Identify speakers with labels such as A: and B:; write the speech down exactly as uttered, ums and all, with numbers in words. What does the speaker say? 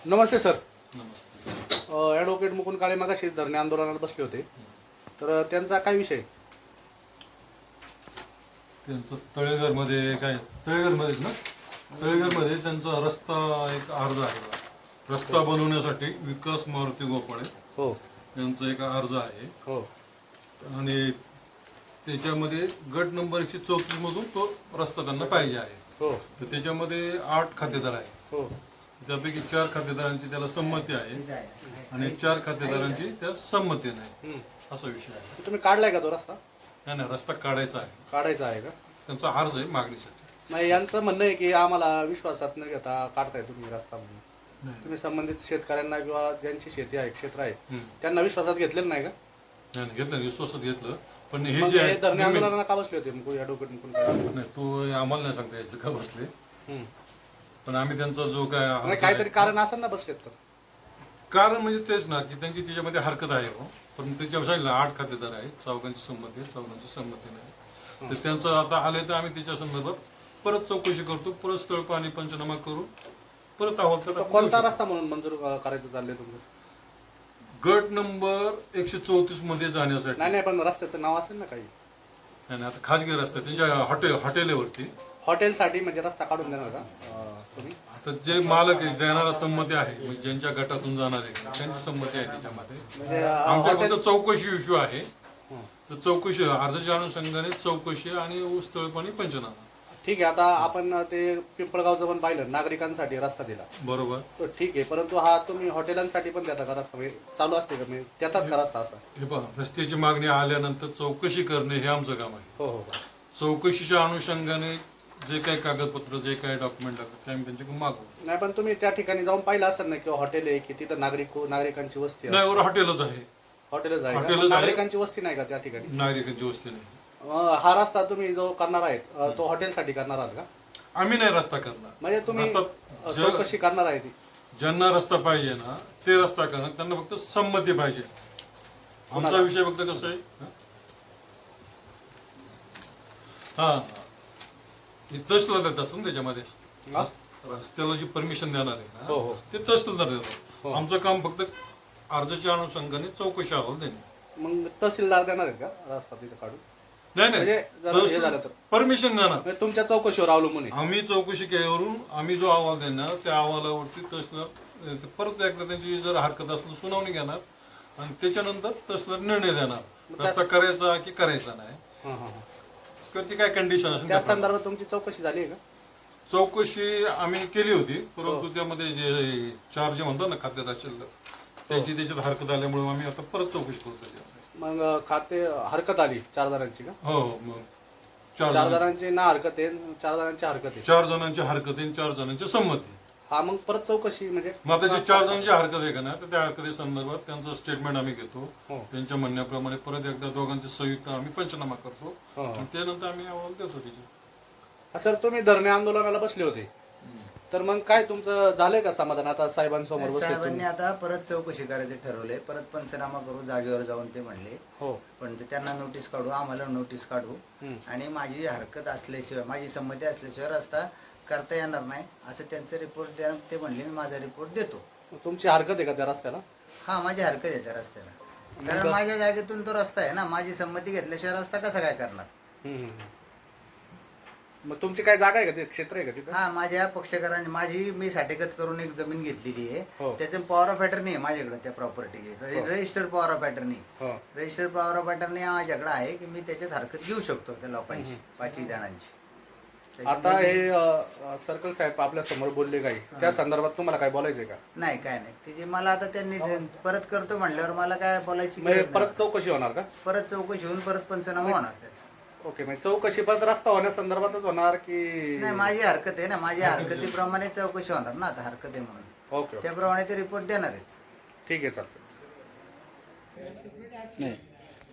A: नमस्ते sir.
B: नमस्ते.
A: Advocate Mukund Kale मगाशी धरणे आंदोलनाला बसले होते, तर त्यांचा काय विषय?
B: त्यांचं तळेघरमध्ये काय तळेघरमध्येच ना तळेघरमध्ये त्यांचा रस्ता एक अर्ज आहे. रस्ता बनवण्यासाठी विकास मारुती गोपाळे
A: हो
B: यांचा एक अर्ज आहे.
A: हो
B: आणि त्याच्यामध्ये गट नंबर एकशे चौतीस मधून तो रस्ता त्यांना पाहिजे आहे.
A: हो
B: तर त्याच्यामध्ये आठ खातेदार आहे.
A: हो
B: त्यापैकी चार खातेदारांची त्याला संमती आहे आणि चार खातेदारांची त्या संमती नाही,
A: हम्म.
B: असा विषय आहे.
A: तुम्ही काढलाय का तो रस्ता?
B: नाही नाही, रस्ता काढायचा आहे.
A: काढायचा आहे का?
B: त्यांचा अर्ज आहे मागणीसाठी.
A: नाही, यांचं म्हणणं आहे की आम्हाला विश्वासात न घेता काढताय तुम्ही रस्ता म्हणून.
B: नाही
A: तुम्ही संबंधित शेतकऱ्यांना किंवा ज्यांची शेती आहे क्षेत्र आहे
B: हम्म.
A: त्यांना विश्वासात घेतलेलं नाही का?
B: नाही नाही, घेतलं विश्वासात घेतलं, पण हे
A: मग
B: जे
A: हे
B: आहे
A: धरणे
B: निम्मे-
A: आंदोलनाला का बसले होते मुकुंद ॲडव्होकेट मुकुंद काळे?
B: नाही तू आम्हाला नाही सांगता यायचं का बसले,
A: हम्म.
B: पण आम्ही त्यांचा जो काय अर्ज
A: नाही,
B: आहे-
A: काहीतरी कारण असेल ना बसलेत तर.
B: कारण म्हणजे तेच ना की त्यांची त्याच्यामध्ये हरकत आहे हो. पण त्याच्या सांगितलं आठ खातेदार आहेत, चौघांची संमती आहे, चौघांची संमती नाही. तर त्यांचं आता आले तर आम्ही त्याच्या संदर्भात परत चौकशी करतो, परत स्थळ पाणी पंचनामा करू, परत अहवाल
A: तो
B: करा.
A: कोणता रस्ता म्हणून मंजूर अं, करायचं चाललंय तुमचं?
B: गट नंबर एकशे चौतीस मध्ये जाण्यासाठी.
A: नाही नाही, पण रस्त्याचं नाव असेल ना काही.
B: नाही नाही, आता खाजगी रस्ता त्यांच्या हॉटेल हॉटेलवरती.
A: हॉटेलसाठी म्हणजे रस्ता काढून देणार का अं, तुम्ही?
B: आता जे मालक आहे देणारा संमती आहे, म्हणजे ज्यांच्या गटातून जाणार आहे त्यांची संमती आहे त्याच्यामध्ये.
A: म्हणजे अं,
B: आमच्याकडे
A: हॉटेल-
B: चौकशी इश्यू आहे.
A: हं.
B: तर चौकशी अर्जाच्या अनुषंगाने चौकशी आणि स्थळपाणी पंचनामा.
A: ठीक आहे. आता आपण ते पिंपळगावचं पण पाहिलं, नागरिकांसाठी रस्ता दिला,
B: बरोबर.
A: तो ठीक आहे, परंतु हा तुम्ही हॉटेलांसाठी पण देता का रस्ता? म्हणजे चालू असते का, म्हणजे देतात का रस्ता असा?
B: हे पहा, रस्त्याची मागणी आल्यानंतर चौकशी करणे हे आमचं काम आहे.
A: हो हो हो.
B: चौकशीच्या अनुषंगाने जे काही कागदपत्र जे काही डॉक्युमेंट लागतात ते आम्ही त्यांच्याकडून मागवू.
A: नाही, पण तुम्ही त्या ठिकाणी जाऊन पाहिलं असेल ना, किंवा हॉटेल आहे की तिथं नागरिक नागरिकांची वस्ती आहे?
B: नाही, वर हॉटेलच आहे.
A: हॉटेलच आहे का?
B: हॉटेलच
A: मग
B: आहे.
A: नागरिकांची वस्ती नाही का त्या ठिकाणी?
B: नागरिकांची वस्ती नाही.
A: अं, हा रस्ता तुम्ही जो करणार आहेत अं, तो हॉटेलसाठी करणार आहात का?
B: आम्ही नाही रस्ता करणार.
A: म्हणजे तुम्ही
B: रस्ता
A: अं,
B: जग-
A: चौकशी करणार आहे ती?
B: ज्यांना रस्ता पाहिजे ना ते रस्ता करणार, त्यांना फक्त संमती पाहिजे. आमचा
A: कोणाला?
B: विषय फक्त कसं आहे, हा हे तहसीलदार देत असतं ना त्याच्यामध्ये.
A: हा?
B: रस्त्याला जी परमिशन देणार आहे
A: हो, हो.
B: ना ते तहसीलदार
A: हो.
B: देतात. आमचं काम फक्त अर्जाच्या अनुषंगाने चौकशी अहवाल देणे.
A: मग तहसीलदार देणार आहेत का रस्ता तिथे काढून?
B: नाही
A: म्हणजे जर हे झालं तर?
B: परमिशन देणार.
A: म्हणजे तुमच्या चौकशीवर अवलंबून आहे.
B: आम्ही चौकशी केल्यावरून आम्ही जो अहवाल देणार त्या अहवालावरती तहसीलदार ते परत एकदा त्यांची जर हरकत असली सुनावणी घेणार आणि त्याच्यानंतर तहसीलदार निर्णय देणार रस्ता करायचा की करायचा नाही,
A: हां हां हां.
B: किंवा ती काय कंडिशन असेल
A: त्या
B: त्याप्रमाणे.
A: संदर्भात तुमची चौकशी झाली आहे का?
B: चौकशी आम्ही केली होती,
A: हो.
B: परंतु त्यामध्ये जे चार जे म्हणतात ना खात्यात शिल्लक त्याची त्याच्यात हरकत आल्यामुळे आम्ही आता परत चौकशी करतो त्याच्यामध्ये.
A: मग अं, खाते हरकत आली चार जणांची का?
B: हो हो, मग चार
A: चार
B: जणांची
A: जणांची ना हरकत आहे, चार जणांची हरकत आहे.
B: चार जणांची हरकत आहे, चार जणांची संमती.
A: हा, मग परत चौकशी म्हणजे
B: मग आता जे चार जणांची हरकत आहे का ना, तर त्या हरकती संदर्भात त्यांचं स्टेटमेंट आम्ही घेतो.
A: हो.
B: त्यांच्या म्हणण्याप्रमाणे परत एकदा दोघांचे संयुक्त आम्ही पंचनामा करतो
A: हो.
B: आणि त्यानंतर आम्ही अहवाल देतो तिचे.
A: हा, सर तुम्ही धरणे आंदोलनाला बसले होते, तर मग काय तुमचं झालंय का समाधान? आता साहेबांसमोर बसले
C: साहेबांनी
A: तुम्ही.
C: आता परत चौकशी करायचे ठरवले, परत पंचनामा करू जागेवर जाऊन ते म्हणले.
A: हो.
C: पण ते त्यांना नोटीस काढू, आम्हाला नोटीस काढू
A: हम्म.
C: आणि माझी हरकत असल्याशिवाय माझी संमती असल्याशिवाय रस्ता करता येणार नाही असं त्यांचं रिपोर्ट द्या. ते म्हणले मी माझा रिपोर्ट देतो.
A: तुमची हरकत आहे का त्या रस्त्याला?
C: हा, माझी हरकत आहे त्या रस्त्याला, कारण माझ्या जागेतून तो रस्ता आहे ना. माझी संमती घेतल्याशिवाय रस्ता कसा काय करणार?
A: हम्म, हम्म. मग तुमची काय जागा आहे का, ते क्षेत्र आहे का तिथं?
C: हा, माझ्या पक्षकारांनी माझी मी साठेकत करून एक जमीन घेतलेली
A: हो.
C: आहे. त्याचं पॉवर ऑफ अटर्नी आहे माझ्याकडे त्या property. Register power of attorney
A: हो.
C: रजिस्टर पॉवर ऑफ अटर्नी माझ्याकडे आहे की मी त्याच्यात हरकत घेऊ शकतो त्या लोकांची, पाचही जणांची.
A: आता हे सर्कल साहेब आपल्या समोर बोलले काही, त्या संदर्भात तुम्हाला काय बोलायचंय का?
C: नाही, काय नाही. त्याची मला आता त्यांनी परत करतो म्हणल्यावर मला काय बोलायची
A: म्हणजे
C: गरज
A: परत
C: नाही.
A: चौकशी होणार का?
C: परत चौकशी होऊन परत पंचनामा होणार त्याचा.
A: ओके, म्हणजे चौकशी परत रस्ता होण्यासंदर्भातच होणार की?
C: नाही, माझी हरकत आहे ना, माझ्या हरकतीप्रमाणे चौकशी होणार ना. आता हरकत आहे म्हणून
A: ओके ओके,
C: त्याप्रमाणे ते रिपोर्ट देणार आहेत.
A: ठीक आहे, चालतं.
D: नाही